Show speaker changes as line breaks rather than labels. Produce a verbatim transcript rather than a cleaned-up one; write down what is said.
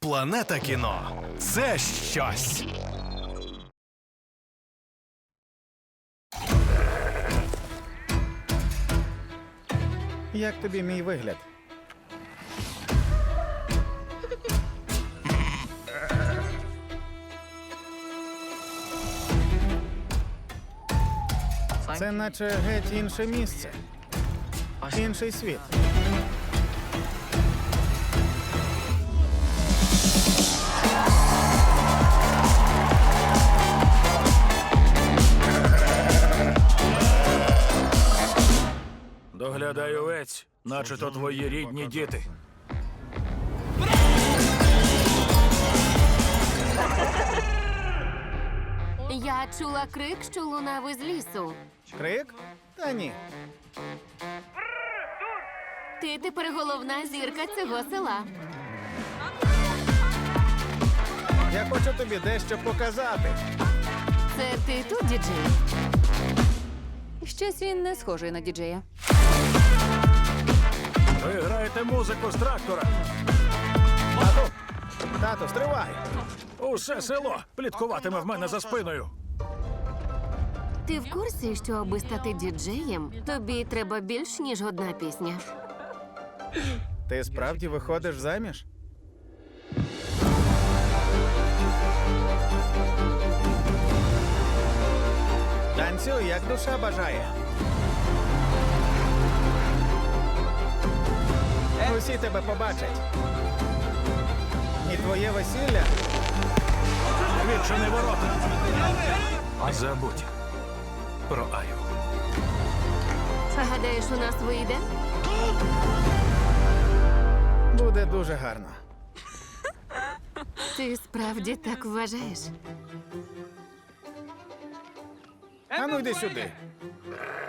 Планета кіно – це щось.
Як тобі мій вигляд? Це наче геть інше місце. Інший світ.
Доглядай овець, наче то твої рідні діти.
Я чула крик, що лунав із лісу.
Крик? Та ні.
Ти тепер головна зірка цього села.
Я хочу тобі дещо показати.
Це ти тут, діджей?
Щось він не схожий на діджея.
Ви граєте музику з трактора.
Тату! Тату, стривай!
Усе село пліткуватиме в мене за спиною.
Ти в курсі, що аби стати діджеєм, тобі треба більш, ніж одна пісня?
Ти справді виходиш заміж? Танцюй, як душа бажає. Усі тебе побачать. І твоє весілля.
Відчини ворота. Забудь про Аю.
Гадаєш, у нас вийде?
Буде дуже гарно.
Ти справді так вважаєш?
А ну йди сюди.